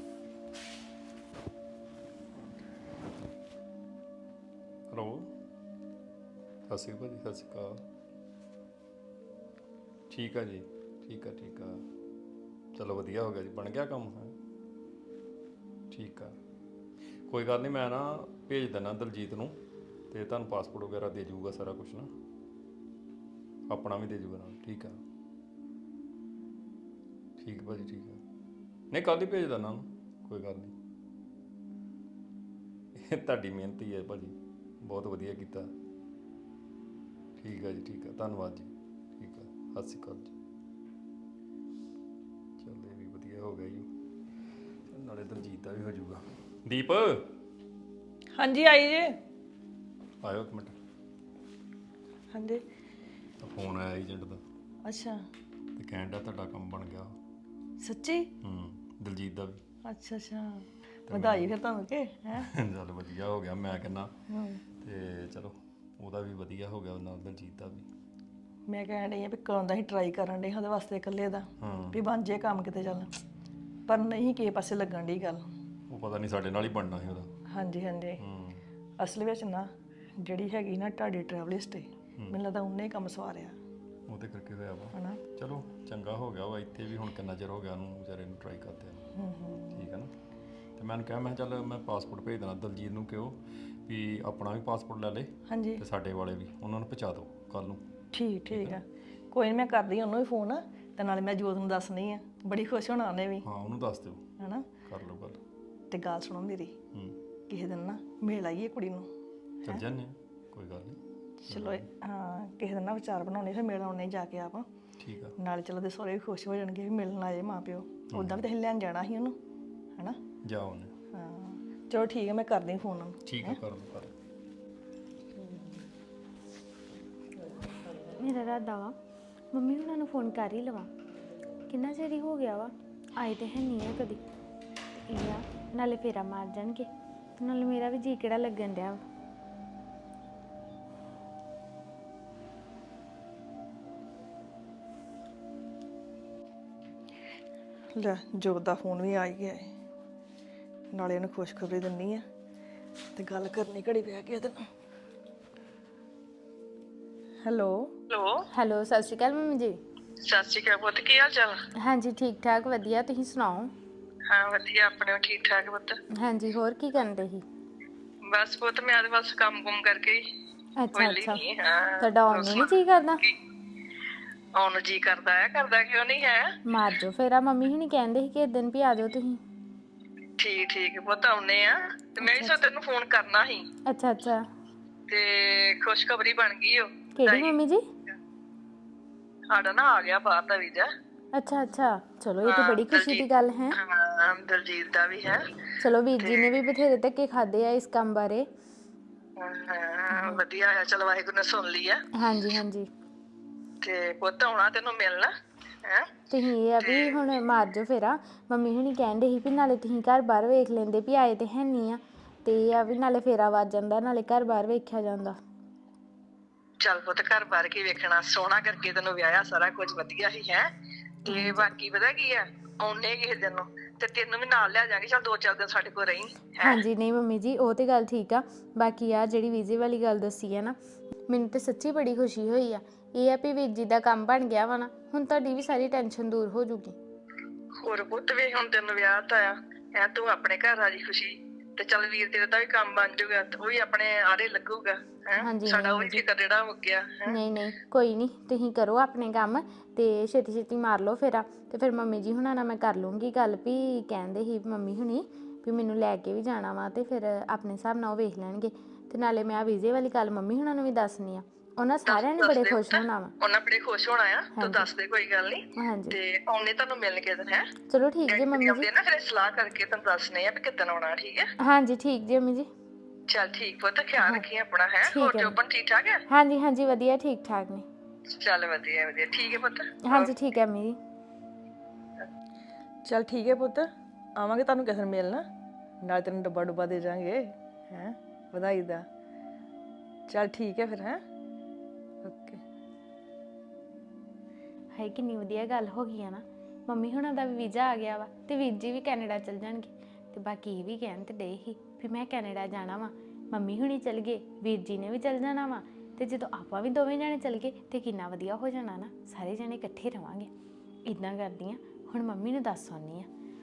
ਹੈਲੋ ਸਤਿ ਸ਼੍ਰੀ ਅਕਾਲ ਭਾਜੀ ਸਤਿ ਸ਼੍ਰੀ ਅਕਾਲ ਠੀਕ ਆ ਜੀ ਠੀਕ ਆ ਚਲੋ ਵਧੀਆ ਹੋ ਗਿਆ ਜੀ, ਬਣ ਗਿਆ ਕੰਮ ਹੈ। ਠੀਕ ਆ, ਕੋਈ ਗੱਲ ਨਹੀਂ, ਮੈਂ ਨਾ ਭੇਜ ਦਿੰਦਾ ਦਲਜੀਤ ਨੂੰ, ਤੇ ਤੁਹਾਨੂੰ ਪਾਸਪੋਰਟ ਵਗੈਰਾ ਦੇ ਜਾਊਗਾ ਸਾਰਾ ਕੁਝ ਨਾ, ਆਪਣਾ ਵੀ ਦੇ ਜਾਊਗਾ ਨਾਲ। ਠੀਕ ਆ, ਠੀਕ ਭਾਜੀ, ਠੀਕ ਆ। ਨਹੀਂ ਕੱਲ੍ਹ ਹੀ ਭੇਜ ਦਿੰਦਾ ਉਹਨੂੰ, ਕੋਈ ਗੱਲ ਨਹੀਂ। ਇਹ ਤੁਹਾਡੀ ਮਿਹਨਤ ਹੀ ਹੈ ਭਾਜੀ, ਬਹੁਤ ਵਧੀਆ ਕੀਤਾ। ਠੀਕ ਆ ਜੀ, ਠੀਕ ਆ, ਧੰਨਵਾਦ ਜੀ। ਠੀਕ ਆ, ਸਤਿ ਸ਼੍ਰੀ ਅਕਾਲ ਜੀ। ਚੱਲ ਇਹ ਵੀ ਵਧੀਆ ਹੋ ਗਿਆ ਜੀ, ਨਾਲੇ ਦਲਜੀਤ ਦਾ ਵੀ ਹੋ ਜਾਊਗਾ। ਦੀਪ
ਹਾਂਜੀ ਆਈ ਜੇ।
ਆਇਓ ਇੱਕ ਮਿੰਟ,
ਹਾਂਜੀ
ਫੋਨ ਆਇਆ ਏਜੰਟ ਦਾ,
ਅੱਛਾ
ਤੇ ਕਹਿਣ ਡਿਆ ਤੁਹਾਡਾ ਕੰਮ ਬਣ ਗਿਆ।
ਸੱਚੀ?
ਦਲਜੀਤ ਦਾ ਵੀ।
ਅੱਛਾ ਅੱਛਾ, ਵਧਾਈ ਫਿਰ ਤੁਹਾਨੂੰ ਕਿ ਹੈ।
ਚੱਲ ਵਧੀਆ ਹੋ ਗਿਆ, ਮੈਂ ਕਹਿੰਦਾ। ਤੇ ਚਲੋ ਉਹਦਾ ਵੀ ਵਧੀਆ ਹੋ ਗਿਆ, ਨਾਲ ਦਲਜੀਤ ਦਾ ਵੀ।
ਮੈਂ ਕਹਿਣ ਡਈ ਆ ਵੀ ਕਦੋਂ ਦਾ ਹੀ ਟਰਾਈ ਕਰਨ ਡਈ ਉਹਦੇ ਵਾਸਤੇ ਇਕੱਲੇ ਦਾ, ਵੀ ਬਣ ਜੇ ਕੰਮ ਕਿਤੇ ਚੱਲ, ਪਰ ਨਹੀਂ ਕਿਸੇ ਪਾਸੇ ਲੱਗਣ ਡਈ ਗੱਲ।
ਉਹ ਪਤਾ ਨਹੀਂ ਸਾਡੇ ਨਾਲ ਹੀ ਬਣਨਾ ਸੀ ਉਹਦਾ।
ਹਾਂਜੀ ਹਾਂਜੀ, ਅਸਲ ਵਿੱਚ ਨਾ ਜਿਹੜੀ ਹੈਗੀ ਨਾ ਤੁਹਾਡੀ ਟਰੈਵਲਿਸਟ ਹੈ, ਮੈਨੂੰ ਲੱਗਦਾ ਉਹਨੇ ਹੀ ਕੰਮ ਸਵਾਰਿਆ।
ਉਹਦੇ ਕਰਕੇ ਹੋਇਆ ਵਾ।
ਹਨਾ
ਚਲੋ ਚੰਗਾ ਹੋ ਗਿਆ ਵਾ, ਇੱਥੇ ਵੀ ਹੁਣ ਕਿੰਨਾ ਚਿਰ ਹੋ ਗਿਆ ਉਹਨੂੰ ਵਿਚਾਰੇ ਨੂੰ ਟਰਾਈ ਕਰਦੇ ਆ। ਠੀਕ ਹੈ ਨਾ, ਤੇ ਮੈਂ ਕਿਹਾ ਮੈਂ ਚੱਲ ਮੈਂ ਪਾਸਪੋਰਟ ਭੇਜ ਦੇਣਾ ਦਲਜੀਤ ਨੂੰ, ਕਿਉਂ ਵੀ ਆਪਣਾ ਵੀ ਪਾਸਪੋਰਟ ਲੈ ਲੇ
ਹਾਂਜੀ,
ਤੇ ਸਾਡੇ ਵਾਲੇ ਵੀ, ਉਹਨਾਂ ਨੂੰ ਪਹੁੰਚਾ ਦਿਓ ਕੱਲ ਨੂੰ।
ਠੀਕ ਠੀਕ ਆ, ਕੋਈ ਨਹੀਂ ਮੈਂ ਕਰਦੀ ਉਹਨੂੰ ਵੀ ਫੋਨ, ਤੇ ਨਾਲੇ ਮੈਂ ਜੋਤ ਨੂੰ ਦੱਸਣੀ ਆ, ਬੜੀ ਖੁਸ਼ ਹੋਣਾ ਉਹਨੇ ਵੀ।
ਹਾਂ ਉਹਨੂੰ ਦੱਸ ਦਿਓ,
ਹਨਾ
ਕਰ ਲਓ ਗੱਲ।
ਤੇ ਗੱਲ ਸੁਣੋ ਮੇਰੀ, ਕਿਸੇ ਦਿਨ ਨਾ ਮਿਲ ਆਈਏ ਕੁੜੀ ਨੂੰ।
ਚੱਲ ਜਾਂਦੇ ਹਾਂ, ਕੋਈ ਗੱਲ ਨਹੀਂ।
ਚਲੋ ਹਾਂ, ਕਿਸੇ ਦਿਨ ਨਾ ਵਿਚਾਰ ਬਣਾਉਣੇ, ਫਿਰ ਮਿਲ ਆਉਣੇ ਜਾ ਕੇ ਆਪ।
ਠੀਕ ਆ,
ਨਾਲੇ ਚਲੋ ਦੇ ਸਹੁਰੇ ਵੀ ਖੁਸ਼ ਹੋ ਜਾਣਗੇ ਵੀ ਮਿਲਣ ਆਏ ਮਾਂ ਪਿਓ। ਉੱਦਾਂ ਵੀ ਤਾਂ ਅਸੀਂ ਲੈਣ ਜਾਣਾ ਸੀ ਉਹਨੂੰ, ਹਨਾ।
ਜਾਓ ਉਹਨੇ।
ਹਾਂ ਚਲੋ ਠੀਕ ਹੈ, ਮੈਂ ਕਰਦੀ ਫੋਨ ਉਹਨੂੰ।
ਠੀਕ ਆ, ਕਰ ਲਓ ਕਰ ਲਓ।
ਮੇਰਾ ਇਰਾਦਾ ਵਾ ਮੰਮੀ ਹੁਣਾਂ ਨੂੰ ਫੋਨ ਕਰ ਹੀ ਲਵਾਂ, ਕਿੰਨਾ ਚਿਰ ਹੀ ਹੋ ਗਿਆ ਵਾ, ਆਏ ਤੇ ਹੈ ਨਹੀਂ ਆ ਕਦੀ। ਤੇ ਇਹ ਆ ਨਾਲੇ ਫੇਰਾ ਮਾਰ ਜਾਣਗੇ, ਤੇ ਨਾਲੇ ਮੇਰਾ ਵੀ ਜੀ ਕਿਹੜਾ ਲੱਗਣ ਡਿਆ ਵਾ।
ਲੈ ਜੋਤ ਦਾ ਫੋਨ ਵੀ ਆ ਹੀ ਗਿਆ ਹੈ, ਨਾਲੇ ਉਹਨੂੰ ਖੁਸ਼ਖਬਰੀ ਦਿੰਨੀ ਆ ਤੇ ਗੱਲ ਕਰਨੀ ਘੜੀ ਪਿਆ ਕੇ ਉਹਦੇ ਨਾਲ। ਹੈਲੋ
ਹੈਲੋ, ਸਤਿ ਸ਼੍ਰੀ ਅਕਾਲ ਮੰਮੀ ਜੀ।
ਸਤਿ ਸ਼੍ਰੀ ਅਕਾਲ ਪੁੱਤ, ਕੀ ਹਾਲ ਚਾਲ?
ਹਾਂਜੀ ਠੀਕ ਠਾਕ ਵਧੀਆ, ਤੁਸੀਂ ਸੁਣਾਓ?
ਹਾਂ ਵਧੀਆ, ਆਪਣੇ ਵੀ ਠੀਕ ਠਾਕ ਪੁੱਤ।
ਹਾਂਜੀ ਹੋਰ ਕੀ ਕਰਦੇ ਸੀ?
ਬਸ ਪੁੱਤ ਮੈਂ ਤੇ ਬਸ ਕੰਮ ਕੁਮ ਕਰਕੇ ਹੀ
ਅੱਛਾ
ਵਿਹਲੀ
ਅੱਛਾ,
ਨਹੀਂ। ਹਾਂ
ਤੁਹਾਡਾ ਆਉਣ ਨੂੰ ਨਹੀਂ ਜੀ ਕਰਦਾ?
ਆਉਣ ਨੂੰ ਜੀ ਕਰਦਾ ਹੈ, ਕਰਦਾ ਕਿਉਂ ਨਹੀਂ ਹੈ।
ਮਾਰ ਜੋ ਫੇਰਾ, ਮੰਮੀ ਹੁਣੀ ਕਹਿੰਦੇ ਸੀ ਕਿ ਇਸ ਦਿਨ ਵੀ ਆ ਜਾਓ ਤੁਸੀਂ।
ਠੀਕ ਠੀਕ ਪੁੱਤ, ਆਉਨੇ ਆ। ਤੇ ਮੈਂ ਵੀ ਸੋ ਤੈਨੂੰ ਫੋਨ ਕਰਨਾ ਸੀ,
ਅੱਛਾ ਅੱਛਾ,
ਤੇ ਖੁਸ਼ਖਬਰੀ ਬਣ ਗਈ ਉਹ।
ਕਿਹੜੀ ਮੰਮੀ ਜੀ?
ਸਾਡਾ ਨਾ ਆ ਗਿਆ ਬਾਹਰ ਦਾ ਵੀਜ਼ਾ।
ਅੱਛਾ ਅੱਛਾ, ਚਲੋ ਇਹ ਤਾਂ ਬੜੀ ਖੁਸ਼ੀ ਦੀ ਗੱਲ ਹੈ।
ਹਾਂ ਦਲਜੀਤ ਦਾ ਵੀ ਹੈ।
ਚਲੋ ਵੀਰ ਜੀ ਨੇ ਵੀ ਬਥੇਰੇ ਧੱਕੇ ਖਾਦੇ ਆ ਇਸ ਕੰਮ ਬਾਰੇ।
ਹਾਂ ਵਧੀਆ ਆ, ਚਲ ਵਾਹਿਗੁਰੂ ਨੇ ਸੁਣ ਲਈ ਆ।
ਹਾਂਜੀ ਹਾਂਜੀ,
ਤੇ ਪੁੱਤ ਆਉਣਾ ਤੈਨੂੰ ਮਿਲਣਾ ਹੈ।
ਤੁਸੀਂ ਇਹ ਆ ਵੀ ਹੁਣ ਮਾਰ ਜੋ ਫੇਰਾ, ਮੰਮੀ ਹੁਣੀ ਕਹਿੰਦੇ ਸੀ ਵੀ ਨਾਲੇ ਤੁਸੀਂ ਘਰ ਬਾਹਰ ਵੇਖ ਲੈਂਦੇ ਵੀ ਆਏ ਤੇ ਹੈ ਨਹੀਂ ਆ, ਤੇ ਇਹ ਆ ਵੀ ਨਾਲੇ ਫੇਰਾ ਵੱਜ ਜਾਂਦਾ, ਨਾਲੇ ਘਰ ਬਾਹਰ ਵੇਖਿਆ ਜਾਂਦਾ।
ਚੱਲ ਪੁੱਤ ਘਰ ਬਾਰ ਕੀ ਵੇਖਣਾ, ਸੋਹਣਾ ਕਰਕੇ ਤੈਨੂੰ ਵਿਆਹਿਆ, ਸਾਰਾ ਕੁਝ ਵਧੀਆ ਹੀ ਹੈ। ਤੇ ਬਾਕੀ ਪਤਾ ਕੀ ਆ, ਆਉਨੇ ਕਿਸੇ ਦਿਨ ਨੂੰ ਤੇ ਤੈਨੂੰ ਵੀ ਨਾਲ ਲੈ ਜਾਾਂਗੇ, ਚੱਲ 2-4 ਦਿਨ ਸਾਡੇ ਕੋਲ ਰਹੀ।
ਹਾਂਜੀ ਨਹੀਂ ਮੰਮੀ ਜੀ, ਉਹ ਤੇ ਗੱਲ ਠੀਕ ਆ। ਬਾਕੀ ਆ ਜਿਹੜੀ ਵੀਜ਼ੇ ਵਾਲੀ ਗੱਲ ਦੱਸੀ ਹੈ ਨਾ, ਮੈਨੂੰ ਤੇ ਸੱਚੀ ਬੜੀ ਖੁਸ਼ੀ ਹੋਈ ਆ। ਇਹ ਆ ਵੀ ਵੀਰ ਜੀ ਦਾ ਕੰਮ ਬਣ ਗਿਆ ਵਾ ਨਾ, ਹੁਣ ਤੁਹਾਡੀ ਵੀ ਸਾਰੀ ਟੈਨਸ਼ਨ ਦੂਰ ਹੋ ਜੂਗੀ।
ਹੋਰ ਪੁੱਤ ਵੇ ਹੁਣ ਤੈਨੂੰ ਵਿਆਹ ਤਾਂ ਆ ਐ, ਤੂੰ ਆਪਣੇ ਘਰ ਰਾਜੀ ਖੁਸ਼ੀ, ਤੇ ਚੱਲ ਵੀਰ ਤੇਰੇ ਦਾ ਵੀ ਕੰਮ ਬਣ ਜਾਊਗਾ, ਉਹ ਵੀ ਆਪਣੇ ਆਰੇ ਲੱਗੂਗਾ। ਸਾਡਾ ਉਹ ਵੀ ਫਿਕਰ ਜਿਹੜਾ ਹੋ ਗਿਆ।
ਨਹੀਂ ਨਹੀਂ ਕੋਈ ਨਹੀਂ, ਤੁਸੀਂ ਕਰੋ ਆਪਣੇ ਕੰਮ ਤੇ ਛੇਤੀ ਛੇਤੀ ਮਾਰ ਲਓ ਫੇਰਾ। ਤੇ ਫਿਰ ਮੰਮੀ ਜੀ ਹੁਣਾਂ ਨਾਲ ਮੈਂ ਕਰ ਲੂੰਗੀ ਗੱਲ, ਵੀ ਕਹਿੰਦੇ ਸੀ ਮੰਮੀ ਹੁਣੀ ਵੀ ਮੈਨੂੰ ਲੈ ਕੇ ਵੀ ਜਾਣਾ ਵਾ, ਤੇ ਫਿਰ ਆਪਣੇ ਹਿਸਾਬ ਨਾਲ ਉਹ ਵੇਖ ਲੈਣਗੇ। ਤੇ ਨਾਲੇ ਮੈਂ ਆ ਵੀਜ਼ੇ ਵਾਲੀ ਗੱਲ ਮੰਮੀ ਹੁਣਾਂ ਨੂੰ ਵੀ ਦੱਸਣੀ ਆ, ਉਹਨਾਂ ਸਾਰਿਆਂ ਨੇ ਬੜੇ ਖੁਸ਼ ਹੋਣਾ ਵਾ।
ਉਹਨਾਂ ਬੜੇ ਖੁਸ਼ ਹੋਣਾ ਆ, ਤੂੰ ਦੱਸ ਦੇ, ਕੋਈ ਗੱਲ ਨਹੀਂ।
ਹਾਂਜੀ
ਤੇ ਆਉਣੇ ਤੁਹਾਨੂੰ ਮਿਲਣ ਕੇ ਦਿਨ ਹੈ।
ਚਲੋ ਠੀਕ ਜੀ ਮੰਮੀ ਜੀ।
ਨਾ ਫਿਰ ਸਲਾਹ ਕਰਕੇ ਤੁਹਾਨੂੰ ਦੱਸਣੇ ਆ ਵੀ ਕਿੱਦਣ ਆਉਣਾ, ਠੀਕ ਹੈ।
ਹਾਂਜੀ ਠੀਕ ਜੀ ਮੰਮੀ ਜੀ।
ਚੱਲ ਠੀਕ ਪੁੱਤ, ਖਿਆਲ ਰੱਖੀ ਆਪਣਾ ਹੈ।
ਠੀਕ
ਹੋਰ
ਹੈ।
ਜੋਬਨ ਠੀਕ ਠਾਕ ਹੈ?
ਹਾਂਜੀ ਹਾਂਜੀ ਵਧੀਆ, ਠੀਕ ਠਾਕ ਨੇ।
ਚੱਲ ਵਧੀਆ ਵਧੀਆ, ਠੀਕ ਹੈ ਪੁੱਤ।
ਹਾਂਜੀ ਠੀਕ ਹੈ ਮੰਮੀ ਜੀ।
ਚੱਲ ਠੀਕ ਹੈ ਪੁੱਤ, ਆਵਾਂਗੇ ਤੁਹਾਨੂੰ ਕਿਸੇ ਦਿਨ ਮਿਲਣਾ, ਨਾਲ ਤੈਨੂੰ ਡੱਬਾ ਡੁੱਬਾ ਦੇ ਜਾਾਂਗੇ ਹੈ ਵਧਾਈ ਦਾ। ਚੱਲ ਠੀਕ ਹੈ ਫਿਰ, ਹੈ ਓਕੇ।
ਹਾਏ ਕਿੰਨੀ ਵਧੀਆ ਗੱਲ ਹੋ ਗਈ ਆ ਨਾ, ਮੰਮੀ ਹੁਣਾਂ ਦਾ ਵੀ ਵੀਜ਼ਾ ਆ ਗਿਆ ਵਾ, ਤੇ ਵੀਰ ਜੀ ਵੀ ਕੈਨੇਡਾ ਚਲ ਜਾਣਗੇ। ਤੇ ਬਾਕੀ ਇਹ ਵੀ ਕਹਿਣ ਤੇ ਡੇ ਸੀ ਵੀ ਮੈਂ ਕੈਨੇਡਾ ਜਾਣਾ ਵਾ, ਮੰਮੀ ਹੁਣੀ ਚਲ ਗਏ, ਵੀਰ ਜੀ ਨੇ ਵੀ ਚਲ ਜਾਣਾ ਵਾ, ਤੇ ਜਦੋਂ ਆਪਾਂ ਵੀ ਦੋਵੇਂ ਜਾਣੇ ਚਲ ਗਏ ਤੇ ਕਿੰਨਾ ਵਧੀਆ ਹੋ ਜਾਣਾ ਨਾ, ਸਾਰੇ ਜਾਣੇ ਇਕੱਠੇ ਰਵਾਂਗੇ। ਇੱਦਾਂ ਕਰਦੀ ਆ ਹੁਣ ਮੰਮੀ ਨੂੰ ਦੱਸ ਆਉਂਦੀ ਆ।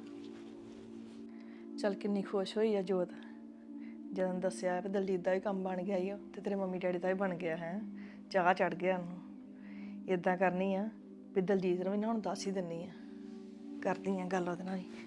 ਚੱਲ ਕਿੰਨੀ ਖੁਸ਼ ਹੋਈ ਆ ਜੋਤ ਜਦੋਂ ਦੱਸਿਆ ਵੀ ਦਲਜੀਤ ਦਾ ਵੀ ਕੰਮ ਬਣ ਗਿਆ ਈ ਓ ਤੇ ਤੇਰੇ ਮੰਮੀ ਡੈਡੀ ਦਾ ਵੀ ਬਣ ਗਿਆ ਹੈ। ਚਾਹ ਚੜ ਗਿਆ ਉਹਨੂੰ। ਇਦਾਂ ਕਰਨੀ ਆ ਵੀ ਦਲਜੀਤ ਨੂੰ ਵੀ ਨਾ ਹੁਣ ਦੱਸ ਹੀ ਦਿੰਨੀ ਆ, ਕਰਦੀ ਆ ਗੱਲ ਉਹਦੇ ਨਾਲ ਹੀ।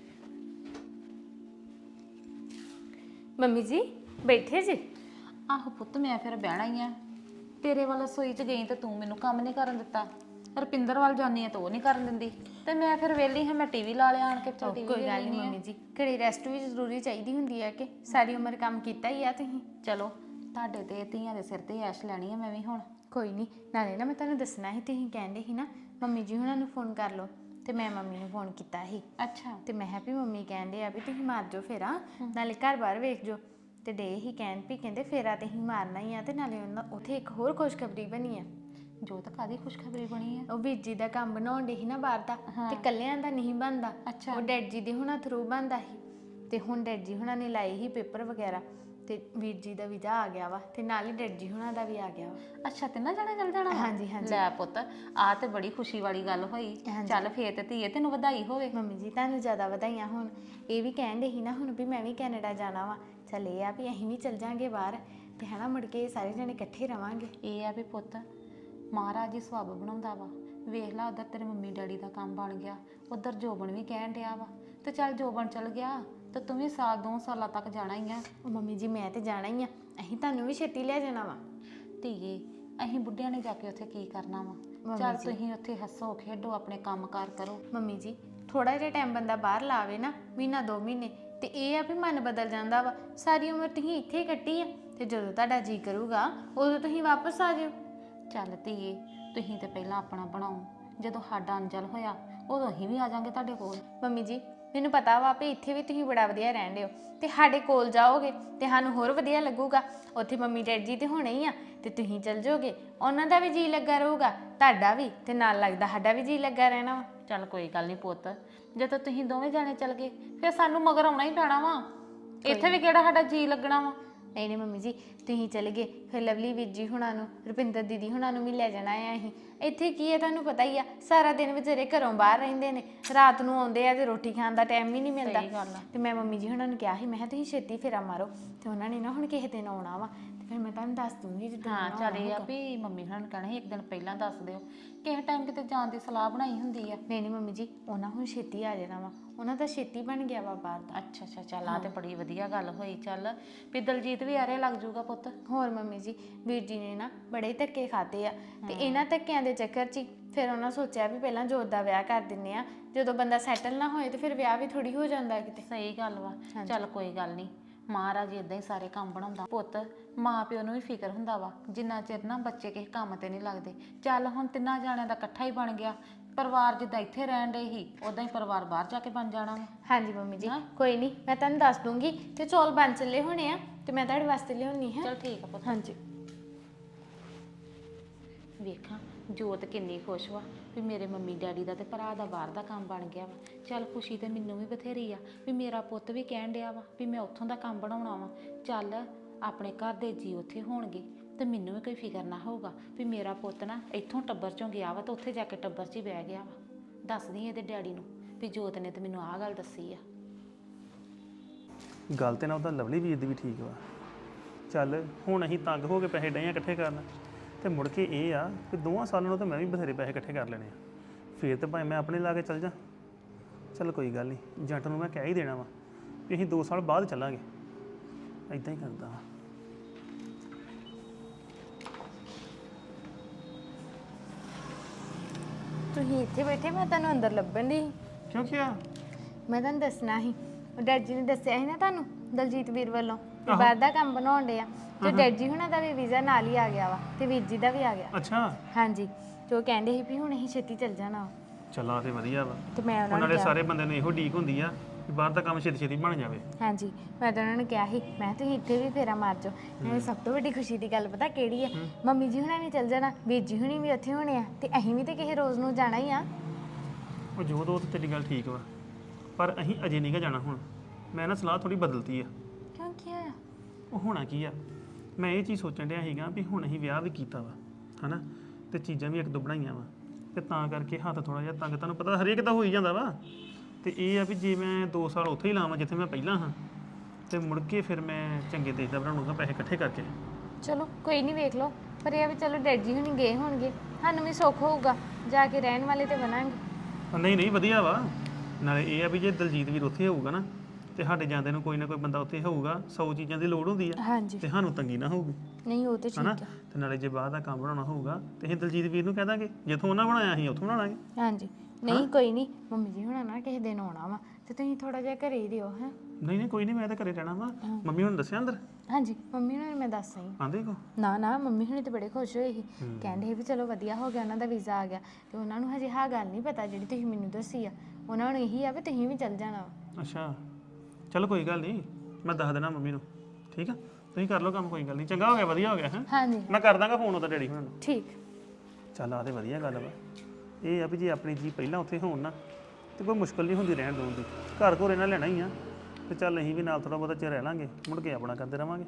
ਮੰਮੀ ਜੀ ਬੈਠੇ ਜੀ?
ਆਹੋ ਪੁੱਤ ਮੈਂ ਫਿਰ ਬਹਿਣਾ ਹੀ ਆ। ਤੇਰੇ ਵੱਲ ਸੋਈ 'ਚ ਗਈ ਤੇ ਤੂੰ ਮੈਨੂੰ ਕੰਮ ਨਹੀਂ ਕਰਨ ਦਿੱਤਾ। ਰੁਪਿੰਦਰ ਵੱਲ ਜਾਨੀ ਆ ਤਾਂ ਉਹ ਨਹੀਂ ਕਰਨ ਦਿੰਦੀ ਤੇ ਮੈਂ ਫਿਰ ਵਿਹਲੀ ਹਾਂ, ਮੈਂ ਟੀਵੀ ਲਾ ਲਿਆ ਆਣ ਕੇ। ਚੱਲ ਟੀਵੀ
ਕੋਈ ਗੱਲ ਨਹੀਂ ਮੰਮੀ ਜੀ, ਘੜੀ ਰੈਸਟ ਵੀ ਜ਼ਰੂਰੀ ਚਾਹੀਦੀ ਹੁੰਦੀ ਹੈ ਕਿ ਸਾਰੀ ਉਮਰ ਕੰਮ ਕੀਤਾ ਹੀ ਆ ਤੁਸੀਂ।
ਚਲੋ ਤੁਹਾਡੇ ਤੇ ਧੀਆਂ ਦੇ ਸਿਰ ਤੇ ਐਸ਼ ਲੈਣੀ ਆ ਮੈਂ ਵੀ ਹੁਣ।
ਕੋਈ ਨਹੀਂ, ਨਾਲੇ ਨਾ ਮੈਂ ਤੁਹਾਨੂੰ ਦੱਸਣਾ ਸੀ, ਤੁਸੀਂ ਕਹਿੰਦੇ ਸੀ ਨਾ ਮੰਮੀ ਜੀ ਹੁਣਾਂ ਨੂੰ ਫੋਨ ਕਰ ਲਓ ਤੇ ਮੈਂ ਮੰਮੀ ਨੂੰ ਫੋਨ ਕੀਤਾ ਸੀ।
ਅੱਛਾ
ਤੇ ਮੈਂ ਹੈਪੀ ਮੰਮੀ ਕਹਿੰਦੇ ਆ ਵੀ ਤੁਸੀਂ ਮਾਰ ਜਾਓ ਫੇਰਾ, ਨਾਲੇ ਘਰ ਬਾਹਰ ਵੇਖ ਜਾਓ। ਤੇ ਡੇ ਹੀ ਕਹਿਣ ਵੀ ਕਹਿੰਦੇ ਫੇਰਾ ਤੇ ਹੀ ਮਾਰਨਾ ਹੀ ਆ ਤੇ ਨਾਲੇ ਉਹਨਾਂ ਉੱਥੇ ਇੱਕ ਹੋਰ ਖੁਸ਼ਖਬਰੀ ਬਣੀ ਆ।
ਜੋ ਤਾਂ ਕਾਦੀ ਖੁਸ਼ਖਬਰੀ ਬਣੀ ਆ?
ਉਹ ਵੀਰ ਜੀ ਦਾ ਕੰਮ ਬਣਾਉਣ ਡੇ ਸੀ ਨਾ ਬਾਹਰ ਦਾ, ਤੇ ਕੱਲਿਆਂ ਦਾ ਨਹੀਂ ਬਣਦਾ।
ਅੱਛਾ।
ਉਹ ਡੈਡ ਜੀ ਦੇ ਹੁਣਾਂ ਥਰੂ ਬਣਦਾ ਸੀ ਤੇ ਹੁਣ ਡੈਡ ਜੀ ਹੁਣਾਂ ਨੇ ਲਾਏ ਸੀ ਪੇਪਰ ਵਗੈਰਾ ਤੇ ਵੀਰ ਜੀ ਦਾ ਵੀਜ਼ਾ ਆ ਗਿਆ ਵਾ ਤੇ ਨਾਲ ਹੀ ਡੈਡ ਜੀ ਹੁਣਾਂ ਦਾ ਵੀ ਆ ਗਿਆ ਵਾ।
ਅੱਛਾ ਤਿੰਨਾਂ ਜਣੇ ਚੱਲ ਜਾਣਾ ਵਾ?
ਹਾਂਜੀ ਹਾਂਜੀ।
ਲੈ ਪੁੱਤ ਆ ਤੇ ਬੜੀ ਖੁਸ਼ੀ ਵਾਲੀ ਗੱਲ ਹੋਈ। ਚੱਲ ਫੇਰ ਤੇ ਧੀਏ ਤੈਨੂੰ ਵਧਾਈ ਹੋਵੇ।
ਮੰਮੀ ਜੀ ਤੁਹਾਨੂੰ ਜ਼ਿਆਦਾ ਵਧਾਈਆਂ ਹੋਣ। ਇਹ ਵੀ ਕਹਿਣ ਡੇ ਸੀ ਨਾ ਹੁਣ ਵੀ ਮੈਂ ਵੀ ਕੈਨੇਡਾ ਜਾਣਾ ਵਾ। ਚੱਲ ਇਹ ਆ ਵੀ ਅਸੀਂ ਵੀ ਚੱਲ ਜਾਾਂਗੇ ਬਾਹਰ ਤੇ ਹਨਾ ਮੁੜ ਕੇ ਸਾਰੇ ਜਣੇ ਇਕੱਠੇ ਰਵਾਂਗੇ।
ਇਹ ਆ ਵੀ ਪੁੱਤ ਮਹਾਰਾਜ ਜੀ ਸਵਾਬ ਬਣਾਉਂਦਾ ਵਾ। ਵੇਖ ਲਾ ਉਧਰ ਤੇਰੇ ਮੰਮੀ ਡੈਡੀ ਦਾ ਕੰਮ ਬਣ ਗਿਆ, ਉਧਰ ਜੋਬਨ ਵੀ ਕਹਿਣ ਡਿਆ ਵਾ ਤੇ ਚੱਲ ਜੋਬਨ ਚਲ ਗਿਆ ਤੇ ਤੂੰ ਵੀ ਸਾਲ 2 ਸਾਲਾਂ ਤੱਕ ਜਾਣਾ ਹੀ ਆ।
ਉਹ ਮੰਮੀ ਜੀ ਮੈਂ ਤੇ ਜਾਣਾ ਹੀ ਆ, ਅਸੀਂ ਤੁਹਾਨੂੰ ਵੀ ਛੇਤੀ ਲੈ ਜਾਣਾ ਵਾ।
ਧੀਏ ਅਸੀਂ ਬੁੱਢਿਆਂ ਨੇ ਜਾ ਕੇ ਉੱਥੇ ਕੀ ਕਰਨਾ ਵਾ? ਚੱਲ ਤੁਸੀਂ ਉੱਥੇ ਹੱਸੋ ਖੇਡੋ, ਆਪਣੇ ਕੰਮਕਾਰ ਕਰੋ।
ਮੰਮੀ ਜੀ ਥੋੜਾ ਜਿਹਾ ਟਾਈਮ ਬੰਦਾ ਬਾਹਰ ਲਾਵੇ ਨਾ, ਮਹੀਨਾ 2 ਮਹੀਨੇ, ਤੇ ਇਹ ਆ ਵੀ ਮਨ ਬਦਲ ਜਾਂਦਾ ਵਾ। ਸਾਰੀ ਉਮਰ ਤੁਸੀਂ ਇੱਥੇ ਹੀ ਕੱਟੀ ਆ ਤੇ ਜਦੋਂ ਤੁਹਾਡਾ ਜੀ ਕਰੂਗਾ ਉਦੋਂ ਤੁਸੀਂ ਵਾਪਸ ਆ ਜਾਓ।
ਚੱਲ ਧੀਏ ਤੁਸੀਂ ਤੇ ਪਹਿਲਾਂ ਆਪਣਾ ਬਣਾਓ, ਜਦੋਂ ਸਾਡਾ ਅੰਜਲ ਹੋਇਆ ਉਦੋਂ ਅਸੀਂ ਵੀ ਆ ਜਾਾਂਗੇ ਤੁਹਾਡੇ ਕੋਲ।
ਮੰਮੀ ਜੀ ਮੈਨੂੰ ਪਤਾ ਵਾ ਵੀ ਇੱਥੇ ਵੀ ਤੁਸੀਂ ਬੜਾ ਵਧੀਆ ਰਹਿੰਦੇ ਹੋ ਤੇ ਸਾਡੇ ਕੋਲ ਜਾਓਗੇ ਤੇ ਸਾਨੂੰ ਹੋਰ ਵਧੀਆ ਲੱਗੂਗਾ। ਉੱਥੇ ਮੰਮੀ ਡੈਡੀ ਜੀ ਤੇ ਹੋਣੇ ਹੀ ਆ ਤੇ ਤੁਸੀਂ ਚੱਲ ਜਾਓਗੇ, ਉਹਨਾਂ ਦਾ ਵੀ ਜੀ ਲੱਗਾ ਰਹੂਗਾ, ਤੁਹਾਡਾ ਵੀ, ਤੇ ਨਾਲ ਲੱਗਦਾ ਸਾਡਾ ਵੀ ਜੀ ਲੱਗਾ ਰਹਿਣਾ ਵਾ।
ਚੱਲ ਕੋਈ ਗੱਲ ਨਹੀਂ ਪੁੱਤ, ਜਦੋਂ ਤੁਸੀਂ ਦੋਵੇਂ ਜਾਣੇ ਚੱਲ ਗਏ ਫਿਰ ਸਾਨੂੰ ਮਗਰ ਆਉਣਾ ਹੀ ਪੈਣਾ ਵਾ। ਇੱਥੇ ਵੀ ਕਿਹੜਾ ਸਾਡਾ ਜੀ ਲੱਗਣਾ ਵਾ।
ਨਹੀਂ ਨਹੀਂ ਮੰਮੀ ਜੀ ਤੁਸੀਂ ਚਲੇ ਗਏ ਫਿਰ ਲਵਲੀ ਵੀਰ ਜੀ ਹੁਣਾਂ ਨੂੰ, ਰੁਪਿੰਦਰ ਦੀਦੀ ਹੁਣਾਂ ਨੂੰ ਵੀ ਲੈ ਜਾਣਾ ਆ ਅਸੀਂ। ਇੱਥੇ ਕੀ ਹੈ ਤੁਹਾਨੂੰ ਪਤਾ ਹੀ ਆ, ਸਾਰਾ ਦਿਨ ਵਿਚਾਰੇ ਘਰੋਂ ਬਾਹਰ ਰਹਿੰਦੇ ਨੇ, ਰਾਤ ਨੂੰ ਆਉਂਦੇ ਆ ਤੇ ਰੋਟੀ ਖਾਣ ਦਾ ਟਾਈਮ ਵੀ ਨਹੀਂ ਮਿਲਦਾ। ਤੇ ਮੈਂ ਮੰਮੀ ਜੀ ਹੁਣਾਂ ਨੂੰ ਕਿਹਾ ਸੀ, ਮੈਂ ਕਿਹਾ ਤੁਸੀਂ ਛੇਤੀ ਫੇਰਾ ਮਾਰੋ ਤੇ ਉਹਨਾਂ ਨੇ ਨਾ ਹੁਣ ਕਿਸੇ ਦਿਨ ਆਉਣਾ ਵਾ ਤੇ ਫਿਰ ਮੈਂ ਤੁਹਾਨੂੰ ਦੱਸ ਦੂੰਗੀ ਜਿੱਦਾਂ।
ਹਾਂ ਚੱਲ ਇਹ ਆ ਵੀ ਮੰਮੀ ਹੁਣਾਂ ਨੂੰ ਕਹਿਣਾ ਸੀ ਇੱਕ ਦਿਨ ਪਹਿਲਾਂ ਦੱਸ ਦਿਓ, ਕਿਸੇ ਟਾਈਮ ਕਿਤੇ ਜਾਣ ਦੀ ਸਲਾਹ ਬਣਾਈ ਹੁੰਦੀ ਆ।
ਨਹੀਂ ਨਹੀਂ ਮੰਮੀ ਜੀ ਉਹਨਾਂ ਹੁਣ ਛੇਤੀ ਆ ਜਾਣਾ ਵਾ, ਉਹਨਾਂ ਦਾ ਛੇਤੀ ਬਣ ਗਿਆ ਵਾ ਬਾਹਰ ਦਾ।
ਅੱਛਾ ਅੱਛਾ ਚੱਲ ਆ ਤੇ ਬੜੀ ਵਧੀਆ ਗੱਲ ਹੋਈ। ਚੱਲ ਵੀ ਦਲਜੀਤ ਵੀ ਆਰੇ ਲੱਗ ਜਾਊਗਾ ਪੁੱਤ।
ਹੋਰ ਮੰਮੀ ਜੀ ਵੀਰ ਜੀ ਨੇ ਨਾ ਬੜੇ ਧੱਕੇ ਖਾਦੇ ਆ ਤੇ ਇਹਨਾਂ ਧੱਕਿਆਂ ਦੇ ਚੱਕਰ 'ਚ ਫਿਰ ਉਹਨਾਂ ਸੋਚਿਆ ਵੀ ਪਹਿਲਾਂ ਜੋਤ ਦਾ ਵਿਆਹ ਕਰ ਦਿੰਨੇ ਆ, ਜਦੋਂ ਬੰਦਾ ਸੈਟਲ ਨਾ ਹੋਏ ਤੇ ਫਿਰ ਵਿਆਹ ਵੀ ਥੋੜੀ ਹੋ ਜਾਂਦਾ ਕਿਤੇ।
ਸਹੀ ਗੱਲ ਵਾ। ਚੱਲ ਕੋਈ ਗੱਲ ਨਹੀਂ, ਮਹਾਰਾਜ ਇਦਾਂ ਹੀ ਸਾਰੇ ਕੰਮ ਬਣਾਉਂਦਾ ਪੁੱਤ। ਮਾਂ ਪਿਓ ਨੂੰ ਵੀ ਫਿਕਰ ਹੁੰਦਾ ਵਾ ਜਿੰਨਾ ਚਿਰ ਨਾ ਬੱਚੇ ਕਿਸੇ ਕੰਮ ਤੇ ਨਹੀਂ ਲੱਗਦੇ। ਚੱਲ ਹੁਣ ਤਿੰਨਾਂ ਜਾਣਿਆਂ ਦਾ ਇਕੱਠਾ ਹੀ ਬਣ ਗਿਆ ਪਰਿਵਾਰ, ਜਿੱਦਾਂ ਇੱਥੇ ਰਹਿਣ ਦੇ ਹੀ ਉਦਾਂ ਹੀ ਪਰਿਵਾਰ ਬਾਹਰ ਜਾ ਕੇ ਬਣ ਜਾਣਾ ਵਾ।
ਹਾਂਜੀ ਮੰਮੀ ਜੀ ਕੋਈ ਨਹੀਂ, ਮੈਂ ਤੁਹਾਨੂੰ ਦੱਸ ਦੂੰਗੀ ਤੇ ਚੌਲ ਬਣ ਚੱਲੇ ਹੋਣੇ ਆ ਤੇ ਮੈਂ ਤੁਹਾਡੇ ਵਾਸਤੇ ਲਿਆਉਣੀ ਹੈ।
ਚਲ ਠੀਕ ਆ ਪੁੱਤ।
ਹਾਂਜੀ
ਵੇਖਾਂ ਜੋਤ ਕਿੰਨੀ ਖੁਸ਼ ਵਾ ਵੀ ਮੇਰੇ ਮੰਮੀ ਡੈਡੀ ਦਾ ਤੇ ਭਰਾ ਦਾ ਬਾਹਰ ਦਾ ਕੰਮ ਬਣ ਗਿਆ ਵਾ। ਚੱਲ ਖੁਸ਼ੀ ਤੇ ਮੈਨੂੰ ਵੀ ਬਥੇਰੀ ਆ ਵੀ ਮੇਰਾ ਪੁੱਤ ਵੀ ਕਹਿਣ ਡਿਆ ਵਾ ਵੀ ਮੈਂ ਉੱਥੋਂ ਦਾ ਕੰਮ ਬਣਾਉਣਾ ਵਾ। ਚੱਲ ਆਪਣੇ ਘਰ ਦੇ ਜੀ ਉੱਥੇ ਹੋਣਗੇ ਤੇ ਮੈਨੂੰ ਵੀ ਕੋਈ ਫਿਕਰ ਨਾ ਹੋਊਗਾ ਵੀ ਮੇਰਾ ਪੁੱਤ ਨਾ ਇੱਥੋਂ ਟੱਬਰ ਚੋਂ ਗਿਆ ਵਾ ਤੇ ਉੱਥੇ ਜਾ ਕੇ ਟੱਬਰ 'ਚ ਹੀ ਬਹਿ ਗਿਆ ਵਾ। ਦੱਸਦੀ ਇਹਦੇ ਡੈਡੀ ਨੂੰ ਵੀ ਜੋਤ ਨੇ ਤੇ ਮੈਨੂੰ ਆਹ ਗੱਲ ਦੱਸੀ ਆ।
ਗੱਲ ਤੇ ਨਾ ਉਹਦਾ ਲਵਲੀ ਵੀਰ ਦੀ ਵੀ ਠੀਕ ਵਾ। ਚੱਲ ਹੁਣ ਅਸੀਂ ਤੰਗ ਹੋ ਕੇ ਪੈਸੇ ਡਏ ਆ ਇਕੱਠੇ ਕਰਨ ਤੇ ਮੁੜ ਕੇ ਇਹ ਆ ਕਿ 2 ਸਾਲਾਂ ਨੂੰ ਤਾਂ ਮੈਂ ਵੀ ਬਥੇਰੇ ਪੈਸੇ ਇਕੱਠੇ ਕਰ ਲੈਣੇ ਆ, ਫਿਰ ਤੇ ਭਾਵੇਂ ਮੈਂ ਆਪਣੇ ਲਾ ਕੇ ਚੱਲ ਜਾ। ਚੱਲ ਕੋਈ ਗੱਲ ਨਹੀਂ, ਜੱਟ ਨੂੰ ਮੈਂ ਕਹਿ ਹੀ ਦੇਣਾ ਵਾ ਵੀ ਅਸੀਂ 2 ਸਾਲ ਬਾਅਦ ਚੱਲਾਂਗੇ। ਇੱਦਾਂ ਹੀ ਕਰਦਾ ਵਾ।
ਤੁਸੀਂ ਇੱਥੇ ਬੈਠੇ, ਮੈਂ ਤੁਹਾਨੂੰ ਅੰਦਰ ਲੱਭਣ ਦੀ।
ਕਿਉਂ ਕਿਹਾ?
ਮੈਂ ਤੁਹਾਨੂੰ ਦੱਸਣਾ ਸੀ, ਉਹ ਡੈਡ ਜੀ ਨੇ ਦੱਸਿਆ ਸੀ ਨਾ ਤੁਹਾਨੂੰ ਦਲਜੀਤ ਵੀਰ ਵੱਲੋਂ ਵੀ ਬਾਹਰ ਦਾ ਕੰਮ ਬਣਾਉਣ ਡੇ ਆ ਤੇ ਡੈਡ ਜੀ ਹੁਣਾਂ ਦਾ ਵੀ ਵੀਜ਼ਾ ਨਾਲ ਹੀ ਆ ਗਿਆ ਵਾ ਤੇ ਵੀਰ ਜੀ ਦਾ ਵੀ ਆ ਗਿਆ।
ਅੱਛਾ
ਹਾਂਜੀ ਤੇ ਉਹ ਕਹਿੰਦੇ ਸੀ ਵੀ ਹੁਣ ਅਸੀਂ ਛੇਤੀ ਚੱਲ ਜਾਣਾ।
ਚੱਲਾਂ ਤੇ ਵਧੀਆ ਵਾ।
ਤੇ ਮੈਂ ਉਹਨਾਂ ਨੂੰ
ਨਾਲੇ
ਕਿਹਾ
ਸਾਰੇ ਬੰਦੇ ਨੂੰ ਇਹੋ ਡੀਕ ਹੁੰਦੀ ਆ ਕਿ ਬਾਹਰ ਦਾ ਕੰਮ ਛੇਤੀ ਛੇਤੀ ਬਣ ਜਾਵੇ।
ਹਾਂਜੀ ਮੈਂ ਤਾਂ ਉਹਨਾਂ ਨੂੰ ਕਿਹਾ ਸੀ, ਮੈਂ ਤੁਸੀਂ ਇੱਥੇ ਵੀ ਫੇਰਾ ਮਾਰ ਜਾਓ। ਨਾਲੇ ਸਭ ਤੋਂ ਵੱਡੀ ਖੁਸ਼ੀ ਦੀ ਗੱਲ ਪਤਾ ਕਿਹੜੀ ਹੈ? ਮੰਮੀ ਜੀ ਹੁਣਾਂ ਨੇ ਚੱਲ ਜਾਣਾ, ਵੀਰ ਜੀ ਹੁਣੀ ਵੀ ਉੱਥੇ ਹੋਣੇ ਆ ਤੇ ਅਸੀਂ ਵੀ ਤੇ ਕਿਸੇ ਰੋਜ਼ ਨੂੰ ਜਾਣਾ ਹੀ ਆ।
ਉਹ ਜੋ ਦੋ ਤੇ ਤੇਰੀ ਗੱਲ ਠੀਕ ਵਾ, ਪਰ ਅਸੀਂ ਅਜੇ ਨਹੀਂ ਗਾ ਜਾਣਾ ਹੁਣ। ਮੈਂ ਨਾ ਸਲਾਹ ਥੋੜੀ ਬਦਲਤੀ ਆ।
ਕਿਉਂ ਕੀ ਹੋਇਆ?
ਉਹ ਹੋਣਾ ਕੀ ਆ, ਮੈਂ ਇਹ ਚੀਜ਼ ਸੋਚਣ ਡਿਆ ਸੀਗਾ ਵੀ ਹੁਣ ਅਸੀਂ ਵਿਆਹ ਵੀ ਕੀਤਾ ਵਾ ਹਨਾ, ਤੇ ਚੀਜ਼ਾਂ ਵੀ ਇੱਕ ਦੋ ਬਣਾਈਆਂ ਵਾ ਤੇ ਤਾਂ ਕਰਕੇ ਹੱਥ ਥੋੜਾ ਜਿਹਾ ਤੰਗ, ਤੁਹਾਨੂੰ ਪਤਾ ਹਰੇਕ ਦਾ ਹੋ ਹੀ ਜਾਂਦਾ ਵਾ। ਤੇ ਇਹ ਆ ਵੀ ਜੇ ਮੈਂ 2 ਸਾਲ ਉੱਥੇ ਹੀ ਲਾਵਾਂ ਜਿੱਥੇ ਮੈਂ ਪਹਿਲਾਂ ਹਾਂ, ਤੇ ਮੁੜ ਕੇ ਫਿਰ ਮੈਂ ਚੰਗੇ ਦੇਸ਼ ਦਾ ਬਣਾਉਂਗਾ ਪੈਸੇ ਇਕੱਠੇ ਕਰਕੇ।
ਚਲੋ ਕੋਈ ਨਹੀਂ, ਵੇਖ ਲਓ। ਪਰ ਇਹ ਆ ਵੀ ਚਲੋ ਡੈਡ ਜੀ ਹੁਣੀ ਗਏ ਹੋਣਗੇ, ਸਾਨੂੰ ਵੀ ਸੁੱਖ ਹੋਊਗਾ, ਜਾ ਕੇ ਰਹਿਣ ਵਾਲੇ ਤੇ ਬਣਾਂਗੇ।
ਨਹੀਂ ਨਹੀਂ ਵਧੀਆ ਵਾ। ਨਾਲੇ ਇਹ ਆ ਵੀ ਜੇ ਦਲਜੀਤ ਵੀਰ ਉੱਥੇ ਹੋਊਗਾ ਨਾ, ਤੇ ਸਾਡੇ ਜਾਂਦੇ ਨੂੰ ਕੋਈ ਨਾ ਕੋਈ ਬੰਦਾ ਉੱਥੇ ਹੋਊਗਾ, 100 ਚੀਜ਼ਾਂ ਦੀ ਲੋੜ ਹੁੰਦੀ ਆ,
ਹਾਂਜੀ
ਤੇ ਸਾਨੂੰ ਤੰਗੀ ਨਾ ਹੋਊਗੀ,
ਨਹੀਂ ਉਹ ਤੇ ਠੀਕ
ਹਨਾ।
ਆ।
ਤੇ ਨਾਲੇ ਜੇ ਬਾਹਰ ਦਾ ਕੰਮ ਬਣਾਉਣਾ ਹੋਊਗਾ ਤੇ ਅਸੀਂ ਦਲਜੀਤ ਵੀਰ ਨੂੰ ਕਹਿ ਦਾਂਗੇ, ਜਿੱਥੋਂ ਉਹਨਾਂ ਬਣਾਇਆ ਅਸੀਂ ਉੱਥੋਂ ਬਣਾ ਲਾਂਗੇ।
ਹਾਂਜੀ ਨਹੀਂ ਕੋਈ ਨਹੀਂ, ਮੰਮੀ ਜੀ ਹੁਣਾਂ ਨਾ ਕਿਸੇ ਦਿਨ ਆਉਣਾ ਵਾ, ਤੇ ਤੁਸੀਂ ਥੋੜਾ ਜਿਹਾ ਘਰੇ ਹੀ ਰਿਓ ਹੈ।
ਨਹੀਂ ਨਹੀਂ ਕੋਈ ਨਹੀਂ, ਮੈਂ ਤਾਂ ਘਰੇ ਰਹਿਣਾ ਵਾ। ਮੰਮੀ ਹੁਣ ਦੱਸਿਆ ਅੰਦਰ
ਹਾਂਜੀ ਮੰਮੀ ਨੂੰ ਮੈਂ ਦੱਸ ਆਈ।
ਆਂਦੇ ਕੋ?
ਨਾ ਨਾ, ਮੰਮੀ ਹੁਣੀ ਤੇ ਬੜੇ ਖੁਸ਼ ਹੋਏ ਸੀ, ਕਹਿੰਦੇ ਸੀ ਵੀ ਚਲੋ ਵਧੀਆ ਹੋ ਗਿਆ, ਉਹਨਾਂ ਦਾ ਵੀਜ਼ਾ ਆ ਗਿਆ। ਤੇ ਉਹਨਾਂ ਨੂੰ ਹਜੇ ਹਾਂ ਗੱਲ ਨਹੀਂ ਪਤਾ ਜਿਹੜੀ ਤੁਸੀਂ ਮੈਨੂੰ ਦੱਸੀ ਆ, ਉਹਨਾਂ ਨੂੰ ਇਹੀ ਆ ਵੀ ਤੁਸੀਂ ਵੀ ਚੱਲ ਜਾਣਾ ਵਾ।
ਅੱਛਾ ਚਲੋ ਕੋਈ ਗੱਲ ਨਹੀਂ, ਮੈਂ ਦੱਸ ਦੇਣਾ ਮੰਮੀ ਨੂੰ। ਠੀਕ ਆ, ਤੁਸੀਂ ਕਰ ਲਓ ਕੰਮ, ਕੋਈ ਗੱਲ ਨਹੀਂ। ਚੰਗਾ ਹੋ ਗਿਆ, ਵਧੀਆ ਹੋ ਗਿਆ ਹੈ।
ਹਾਂਜੀ
ਮੈਂ ਕਰ ਦਾਂਗਾ ਫੋਨ ਉਹਦਾ ਡੈਡੀ ਹੁਣਾਂ ਨੂੰ।
ਠੀਕ।
ਚੱਲ ਆ ਤੇ ਵਧੀਆ ਗੱਲ ਵਾ। ਇਹ ਆ ਵੀ ਜੇ ਆਪਣੀ ਜੀ ਪਹਿਲਾਂ ਉੱਥੇ ਹੋਣ ਨਾ, ਤੇ ਕੋਈ ਮੁਸ਼ਕਲ ਨਹੀਂ ਹੁੰਦੀ ਰਹਿਣ ਰੂਣ ਦੀ। ਘਰ ਘੋਰ ਇਹਨਾਂ ਲੈਣਾ ਹੀ ਆ, ਤੇ ਚੱਲ ਅਸੀਂ ਵੀ ਨਾਲ ਥੋੜਾ ਬਹੁਤਾ ਚਿਰ ਰਹਿ ਲਾਂਗੇ, ਮੁੜ ਕੇ ਆਪਣਾ ਕਰਦੇ ਰਵਾਂਗੇ।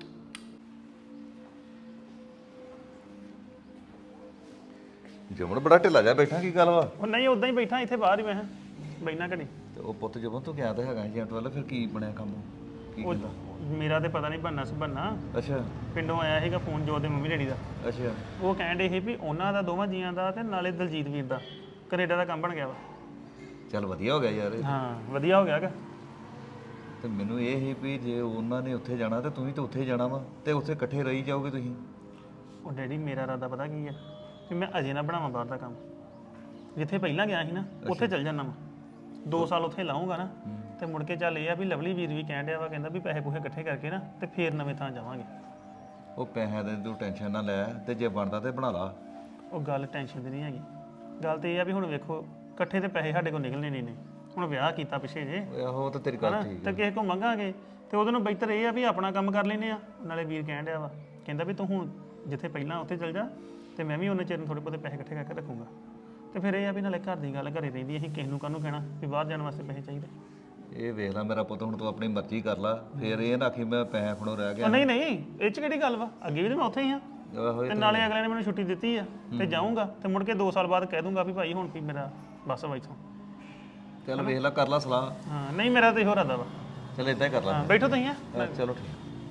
ਜਮਨ ਬੜਾ ਢਿੱਲਾ ਜਾ ਬੈਠਾ, ਕੀ ਗੱਲ ਵਾ?
ਉਹ ਨਹੀਂ, ਉਦਾਂ ਹੀ ਬੈਠਾ ਇੱਥੇ ਬਾਹਰ ਹੀ ਮੈਂ ਬੈਠਾ ਘੜੀ।
ਤੇ ਉਹ ਪੁੱਤ ਜਮਨ ਤੂੰ ਗਿਆ ਤਾਂ ਹੈਗਾ ਏਜੰਟ ਵੱਲ, ਫਿਰ ਕੀ ਬਣਿਆ ਕੰਮ? ਕੀ
ਉਹ
ਕਹਿੰਦਾ?
ਮੇਰਾ ਤੇ ਪਤਾ ਨਹੀਂ ਬੰਨਾ ਸੁਬੰਨਾ,
ਅੱਛਾ
ਪਿੰਡੋਂ ਆਇਆ ਸੀਗਾ ਫੋਨ ਜੋ ਦੇ ਮੰਮੀ ਡੈਡੀ ਦਾ।
ਅੱਛਾ
ਉਹ ਕਹਿਣ ਡੇ ਸੀ ਵੀ ਉਹਨਾਂ ਦਾ ਦੋਵਾਂ ਜੀਆਂ ਦਾ ਤੇ ਨਾਲੇ ਦਲਜੀਤ ਵੀਰ ਦਾ ਕੈਨੇਡਾ ਦਾ ਕੰਮ ਬਣ ਗਿਆ ਵਾ।
ਚੱਲ ਵਧੀਆ ਹੋ ਗਿਆ ਯਾਰ ਇਹ।
ਹਾਂ ਵਧੀਆ ਹੋ ਗਿਆ ਗਾ।
ਤੇ ਮੈਨੂੰ ਇਹ ਸੀ ਵੀ ਜੇ ਉਹਨਾਂ ਨੇ ਉੱਥੇ ਜਾਣਾ ਤੇ ਤੂੰ ਵੀ ਤਾਂ ਉੱਥੇ ਹੀ ਜਾਣਾ ਵਾ, ਤੇ ਉੱਥੇ ਇਕੱਠੇ ਰਹੀ ਜਾਓਗੇ ਤੁਸੀਂ।
ਉਹ ਡੈਡੀ ਮੇਰਾ ਇਰਾਦਾ ਪਤਾ ਕੀ ਆ, ਵੀ ਮੈਂ ਅਜੇ ਨਾ ਬਣਾਵਾਂ ਬਾਹਰ ਦਾ ਕੰਮ। ਜਿੱਥੇ ਪਹਿਲਾਂ ਗਿਆ ਸੀ ਨਾ ਉੱਥੇ ਚੱਲ ਜਾਣਾ ਵਾ, 2 ਸਾਲ ਉੱਥੇ ਲਾਉਂਗਾ ਨਾ, ਤੇ ਮੁੜ ਕੇ ਚੱਲ ਇਹ ਆ ਵੀ ਲਵਲੀ ਵੀਰ ਵੀ ਕਹਿਣ ਡਿਆ ਵਾ, ਕਹਿੰਦਾ ਵੀ ਪੈਸੇ ਪੂਸੇ ਇਕੱਠੇ ਕਰਕੇ ਨਾ ਤੇ ਫੇਰ ਨਵੇਂ ਥਾਂ ਜਾਵਾਂਗੇ।
ਉਹ ਪੈਸਿਆਂ ਦੀ ਤੂੰ ਟੈਨਸ਼ਨ ਨਾ ਲੈ, ਤੇ ਜੇ ਬਣਦਾ ਤੇ ਬਣਾ ਲਾ।
ਉਹ ਗੱਲ ਟੈਨਸ਼ਨ ਦੀ ਨਹੀਂ ਹੈਗੀ, ਗੱਲ ਤੇ ਇਹ ਆ ਵੀ ਹੁਣ ਵੇਖੋ ਇਕੱਠੇ ਤੇ ਪੈਸੇ ਸਾਡੇ ਕੋਲ ਨਿਕਲਣੇ ਨਹੀਂ ਨੇ। ਹੁਣ ਵਿਆਹ ਕੀਤਾ ਪਿੱਛੇ ਜੇ,
ਓਏ ਆਹੋ ਉਹ ਤਾਂ ਤੇਰੀ ਗੱਲ
ਹਨਾ,
ਠੀਕ
ਤੇ
ਹੈ।
ਕਿਸੇ ਕੋਲ ਮੰਗਾਂਗੇ ਤੇ ਉਹਦੇ ਨੂੰ ਬਿਹਤਰ ਇਹ ਆ ਵੀ ਆਪਣਾ ਕੰਮ ਕਰ ਲੈਨੇ ਆ। ਨਾਲੇ ਵੀਰ ਕਹਿਣ ਡਿਆ ਵਾ, ਕਹਿੰਦਾ ਵੀ ਤੂੰ ਹੁਣ ਜਿੱਥੇ ਪਹਿਲਾਂ ਉੱਥੇ ਚੱਲ ਜਾ, ਤੇ ਮੈਂ ਵੀ ਉਹਨੇ ਚਿਰ ਨੂੰ ਥੋੜੇ ਬਹੁਤੇ ਪੈਸੇ ਇਕੱਠੇ ਕਰਕੇ ਰੱਖੂੰਗਾ। ਤੇ ਫਿਰ ਇਹ ਆ ਵੀ ਨਾਲੇ ਘਰ ਦੀ ਗੱਲ ਘਰੇ ਰਹਿੰਦੀ, ਅਸੀਂ ਕਿਸੇ ਨੂੰ ਕਾਹਨੂੰ ਕਹਿਣਾ ਵੀ ਬਾਹਰ ਜਾਣ ਵਾਸਤੇ ਪੈਸੇ ਚਾਹੀਦੇ।
ਇਹ ਵੇਖ ਲੈ ਮੇਰਾ ਪੁੱਤ, ਹੁਣ ਤੂੰ ਆਪਣੀ ਮਰਜ਼ੀ ਕਰ ਲਾ, ਫਿਰ ਇਹ ਨਾ ਆਖੀ ਮੈਂ ਪੈਸੇ ਖਣੋ ਰਹਿ ਗਿਆ।
ਉਹ ਨਹੀਂ ਨਹੀਂ, ਇਹ ਚ ਕਿਹੜੀ ਗੱਲ ਵਾ, ਅੱਗੇ ਵੀ ਤਾਂ ਮੈਂ ਉੱਥੇ ਹੀ ਆ,
ਆਹੋ ਇਹ
ਤੇ ਨਾਲੇ ਅਗਲੇ ਨੇ ਮੈਨੂੰ ਛੁੱਟੀ ਦਿੱਤੀ ਆ, ਤੇ ਜਾਊਂਗਾ ਤੇ ਮੁੜ ਕੇ 2 ਸਾਲ ਬਾਅਦ ਕਹਿ ਦੂੰਗਾ ਵੀ ਭਾਈ ਹੁਣ ਵੀ ਮੇਰਾ ਬਸ ਵਾ ਇੱਥੋਂ।
ਚੱਲ ਵੇਖ ਲੈ, ਕਰ ਲਾ ਸਲਾਹ।
ਹਾਂ ਨਹੀਂ ਮੇਰਾ ਤਾਂ ਇਹੋ ਇਰਾਦਾ ਵਾ।
ਚੱਲ ਇਦਾਂ ਹੀ ਕਰ ਲਾ।
ਹਾਂ ਬੈਠੋ ਤੁਸੀਂ ਆ।
ਹਾਂ, ਚਲੋ ਠੀਕ।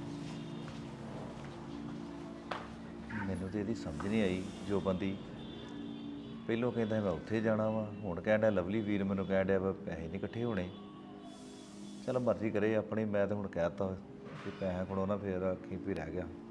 ਮੈਨੂੰ ਤੇ ਇਹਦੀ ਸਮਝ ਨਹੀਂ ਆਈ ਜੋ ਬੰਦੀ ਪਹਿਲੋਂ ਕਹਿੰਦਾ ਮੈਂ ਉੱਥੇ ਜਾਣਾ ਵਾ, ਹੁਣ ਕਹਿਣ ਡਿਆ ਲਵਲੀ ਵੀਰ ਮੈਨੂੰ ਕਹਿਣ ਡਿਆ ਵਾ ਪੈਸੇ ਨਹੀਂ ਇਕੱਠੇ ਹੋਣੇ। ਚਲ ਮਰਜ਼ੀ ਕਰੇ ਆਪਣੀ, ਮੈਂ ਤਾਂ ਹੁਣ ਕਹਿ ਦਿੱਤਾ ਕਿ ਪੈਸੇ ਖੜੋ ਨਾ, ਫਿਰ ਆਖੀ ਵੀ ਰਹਿ ਗਿਆ।